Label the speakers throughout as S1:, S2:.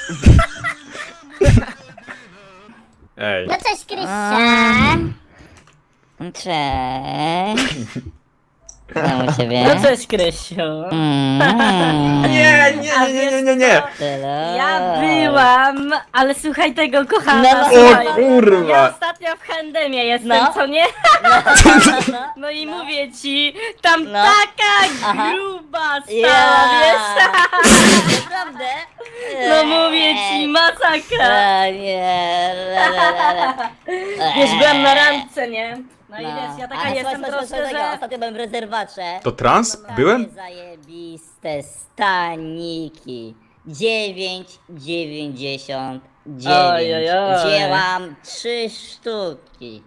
S1: Ej.
S2: No cześć, Krystian.
S3: Cześć. Co u ciebie?
S4: No cześć, Krysiu.
S1: Nie.
S3: Tyle.
S4: Ja byłam, ale słuchaj tego, kochana.
S3: No,
S4: słuchaj.
S1: O kurwa.
S4: Ja ostatnio w Handemie jestem,
S3: No.
S4: co nie?
S3: No.
S4: No i mówię ci, tam
S3: No.
S4: taka
S3: Aha.
S4: gruba stała, wiesz?
S3: Naprawdę?
S4: No mówię ci, masakra.
S3: Nie.
S4: Wiesz, byłam na randce, nie? No i
S3: No.
S4: wiesz, ja taka
S3: Ale
S4: jestem
S3: słuchaj,
S4: troszkę,
S3: tego.
S4: że...
S3: Ostatnio byłem w rezerwacie.
S1: To trans?
S3: Takie
S1: Byłem?
S3: Zajebiste staniki. 9,99.
S4: Ojojoj.
S3: Wzięłam 3 sztuki.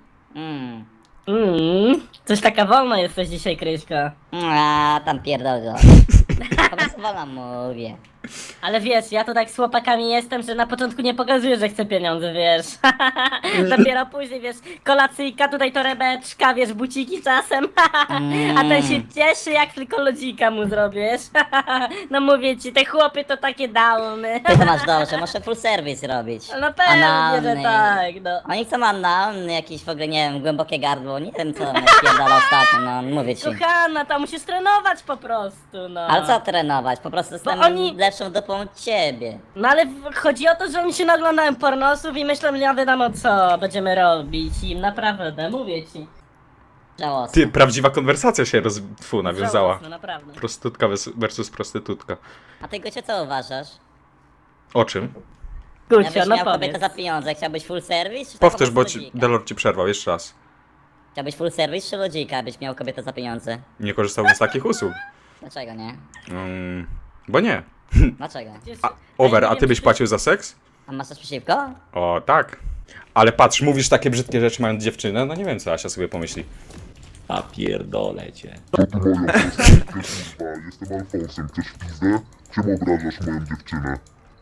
S4: Coś taka wolna jesteś dzisiaj, Kryśka.
S3: A, tam pierdol go. Po prostu wolno mówię.
S4: Ale wiesz, ja to tak z chłopakami jestem, że na początku nie pokazuję, że chcę pieniądze, wiesz. Dopiero później, wiesz, kolacyjka, tutaj torebeczka, wiesz, buciki czasem. A ten się cieszy, jak tylko lodzika mu zrobisz. No mówię ci, te chłopy to takie downy.
S3: Ty to masz dobrze, muszę full service robić.
S4: No pewnie, że
S3: Analny.
S4: tak, no.
S3: Oni chcą analny, jakieś w ogóle, nie wiem, głębokie gardło, nie wiem co mnie spierdala ostatnio, no mówię ci.
S4: Kochana, tam musisz trenować po prostu, no.
S3: Ale co trenować? Po prostu jestem
S4: oni-
S3: lepszą dupą od ciebie.
S4: No ale chodzi o to, że oni się naglądają pornosów i myślą, nie wiadomo co będziemy robić im, naprawdę, mówię ci.
S3: Żałosne.
S1: Ty, prawdziwa konwersacja się nawiązała.
S4: Żałosne, naprawdę.
S1: Prostytutka versus prostytutka.
S3: A ty Gocie co uważasz?
S1: O czym?
S4: Gucio,
S3: Jakbyś
S4: no
S3: miał kobietę
S4: powiedz.
S3: za pieniądze, chciałbyś full service? Czy
S1: Powtórz,
S3: taką
S1: bo
S3: lodzika?
S1: Delor ci przerwał, jeszcze raz.
S3: Chciałbyś full service czy lodzika, abyś miał kobietę za pieniądze?
S1: Nie korzystałbym z takich usług.
S3: Dlaczego nie?
S1: Bo nie.
S3: Dlaczego?
S1: Over,
S4: nie
S1: a
S4: wiem,
S1: ty byś
S4: czy-
S1: płacił za seks?
S3: A masz coś przeciwko?
S1: O, tak. Ale patrz, mówisz takie brzydkie rzeczy mając dziewczynę, no nie wiem co Asia sobie pomyśli.
S5: A pierdolę cię.
S6: To ty moja prostytutka, jestem Alfonsem, chcesz pizdę? Czemu obrażasz moją dziewczynę?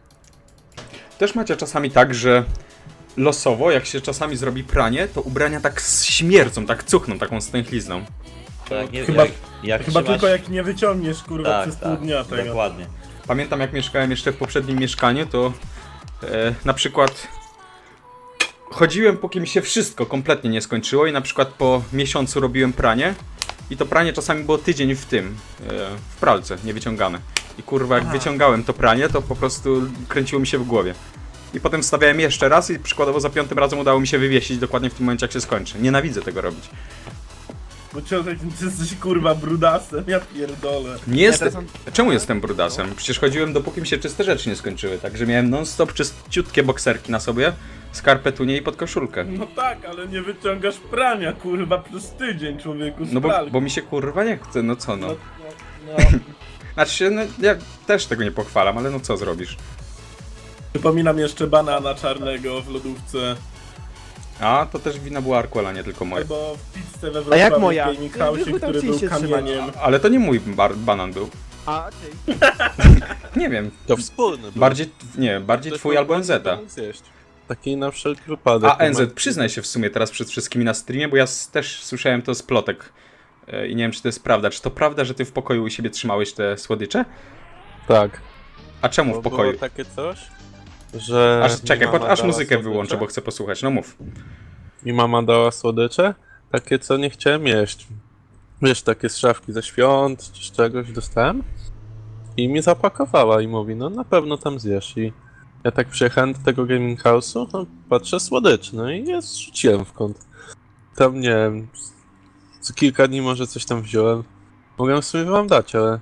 S1: Też macie czasami tak, że losowo, jak się czasami zrobi pranie, to ubrania tak śmierdzą, tak cuchną taką stęchlizną.
S5: Tak, nie,
S7: Chyba-
S5: jak
S7: Chyba
S5: trzymasz-
S7: tylko jak nie wyciągniesz kurwa
S5: tak,
S7: przez pół dnia tego.
S5: dokładnie.
S1: Pamiętam jak mieszkałem jeszcze w poprzednim mieszkaniu, to na przykład chodziłem póki mi się wszystko kompletnie nie skończyło i na przykład po miesiącu robiłem pranie i to pranie czasami było tydzień w tym, w pralce, niewyciągane. I kurwa jak wyciągałem to pranie, to po prostu kręciło mi się w głowie. I potem wstawiałem jeszcze raz i przykładowo za 5. razem udało mi się wywiesić dokładnie w tym momencie jak się skończy. Nienawidzę tego robić.
S7: Bo ciągle ty jesteś kurwa brudasem, ja pierdolę.
S1: Nie jestem. Czemu jestem brudasem? Przecież chodziłem dopóki mi się czyste rzeczy nie skończyły, także miałem non-stop czyściutkie bokserki na sobie, skarpetunie i podkoszulkę.
S7: No tak, ale nie wyciągasz prania kurwa przez tydzień człowieku z
S1: No
S7: pralki.
S1: bo mi się kurwa nie chce, no co no.
S7: No.
S1: Znaczy się, no ja też tego nie pochwalam, ale no co zrobisz?
S7: Przypominam jeszcze banana czarnego w lodówce.
S1: A, to też wina była Arkuela, nie tylko moja.
S7: Albo w pizzce we
S8: A jak
S7: Wrocławiu
S8: moja?
S7: w Gaming House,
S8: Wy tam
S7: który był
S8: chcieliście trzymać.
S7: kamieniem.
S1: Ale to nie mój banan był.
S8: A, ty.
S1: Nie wiem,
S5: To wspólny był.
S1: bardziej twój albo NZ.
S5: Taki na wszelki wypadek.
S1: A NZ, przyznaj się w sumie teraz przed wszystkimi na streamie, bo ja też słyszałem to z plotek. I nie wiem, czy to jest prawda. Czy to prawda, że ty w pokoju u siebie trzymałeś te słodycze?
S5: Tak.
S1: A czemu w pokoju?
S5: Było takie coś, że...
S1: Aż czekaj,
S5: mi mama
S1: aż
S5: dała
S1: muzykę
S5: słodycze.
S1: wyłączę, bo chcę posłuchać. No mów.
S5: Mi mama dała słodycze, takie co nie chciałem jeść. Wiesz, takie z szafki ze świąt, czy z czegoś dostałem. I mi zapakowała i mówi, no na pewno tam zjesz. I ja tak przyjechałem do tego gaming house'u, no patrzę słodycz, no i je zrzuciłem w kąt. Tam nie wiem, co kilka dni może coś tam wziąłem. Mogę sobie wam dać, ale...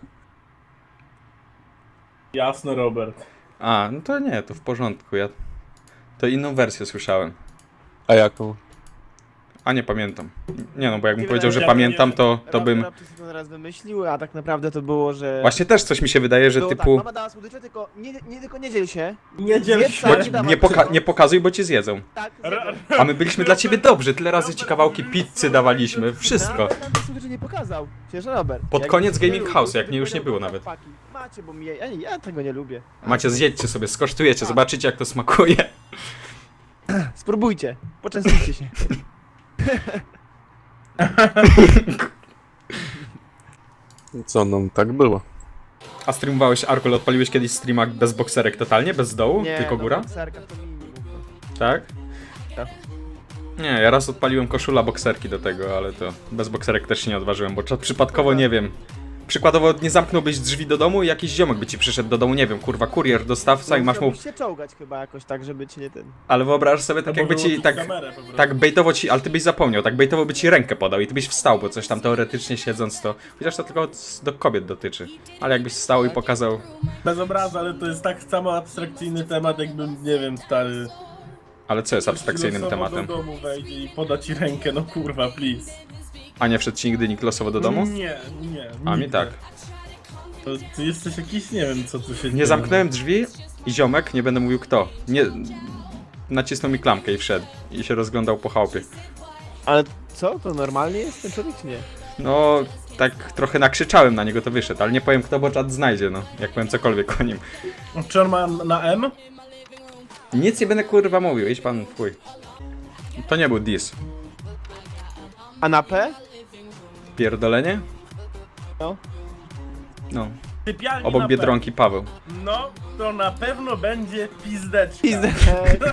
S7: Jasno, Robert.
S1: A, no to nie, to w porządku. Ja to inną wersję słyszałem.
S5: A jaką?
S1: A nie pamiętam. Nie no, bo jakbym
S8: Nie
S1: powiedział, że
S8: wydaje mi się,
S1: pamiętam, to bym...
S8: Robert to raz wymyślił, a tak naprawdę to było, że...
S1: Właśnie też coś mi się wydaje, że
S8: było
S1: typu...
S8: Tak, mama dała słodycze, tylko tylko nie dziel się.
S7: Nie dziel
S8: Zjedz
S7: się.
S8: sam,
S1: Bo,
S8: nie dawaj
S1: nie,
S8: wszystko.
S1: nie pokazuj, bo cię zjedzą.
S8: Tak,
S1: A my byliśmy dla ciebie dobrzy, tyle razy ci kawałki pizzy dawaliśmy, wszystko.
S8: Nawet nam te słodycze nie pokazał. Przecież Robert.
S1: Pod
S8: jak
S1: koniec
S8: nie
S1: Gaming
S8: był,
S1: House,
S8: to
S1: jak mnie już nie
S8: powiedział,
S1: było nawet.
S8: chłopaki, Macie, bo ja tego nie lubię.
S1: Macie, zjedźcie sobie, skosztujecie, zobaczycie jak to smakuje.
S8: Spróbujcie, poczęstujcie się.
S5: Co, no tak było.
S1: A streamowałeś, Arkol, odpaliłeś kiedyś streama bez bokserek totalnie? Bez dołu?
S8: Nie,
S1: tylko góra?
S8: Na bokserkach to minimum.
S1: Tak?
S8: Tak.
S1: Nie, ja raz odpaliłem koszula bokserki do tego, ale to bez bokserek też się nie odważyłem, bo przypadkowo nie wiem. Przykładowo nie zamknąłbyś drzwi do domu i jakiś ziomek by ci przyszedł do domu, nie wiem, kurwa, kurier, dostawca i masz mu...
S8: Musiałbyś się czołgać chyba jakoś tak, żeby ci nie ten...
S1: Ale wyobraź sobie tak
S7: Albo
S1: jakby ci,
S7: wyłączyć
S1: tak,
S7: kamerę po prostu.
S1: tak bejtowo ci, ale ty byś zapomniał, tak bejtowo by ci rękę podał i ty byś wstał, bo coś tam teoretycznie siedząc to... Chociaż to tylko do kobiet dotyczy. Ale jakbyś wstał i pokazał...
S7: Bez obrazu, ale to jest tak samo abstrakcyjny temat, jakbym, nie wiem, stary...
S1: Ale co jest abstrakcyjnym
S7: losowo
S1: tematem?
S7: do domu wejdzie i poda ci rękę, no kurwa, please.
S1: A nie wszedł ci nigdy nikt losowo do domu?
S7: Nie, nie.
S1: A mi
S7: nigdy.
S1: tak.
S7: To ty jesteś jakiś, nie wiem, co tu się dzieje.
S1: Nie zamknąłem drzwi i ziomek, nie będę mówił kto, nie... Nacisnął mi klamkę i wszedł. I się rozglądał po chałupie.
S8: Ale co? To normalnie jest ten człowiek czy nie?
S1: No, tak trochę nakrzyczałem na niego, to wyszedł, ale nie powiem kto, bo czat znajdzie, no. Jak powiem cokolwiek o nim.
S7: Czy on ma na M?
S1: Nic nie będę kurwa mówił, idź pan w chuj. To nie był diss.
S8: A na P?
S1: Pierdolenie?
S8: No.
S1: No.
S7: Sypialni
S1: Obok
S7: na
S1: Biedronki Paweł.
S7: No, to na pewno będzie pizdeczka.
S8: Pizdeczka.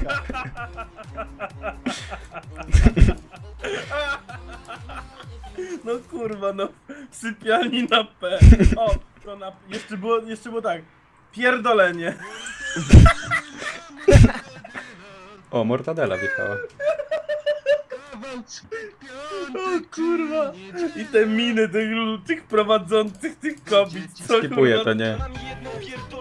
S7: No kurwa, no. W sypialni na P. O, to na... Jeszcze było tak. Pierdolenie.
S1: O, mortadela wjechała.
S7: O kurwa. I te miny tych prowadzących tych kobiet. Co,
S1: Skipuję
S7: kurwa,
S1: to, nie.
S9: Mam jedną pierdolę.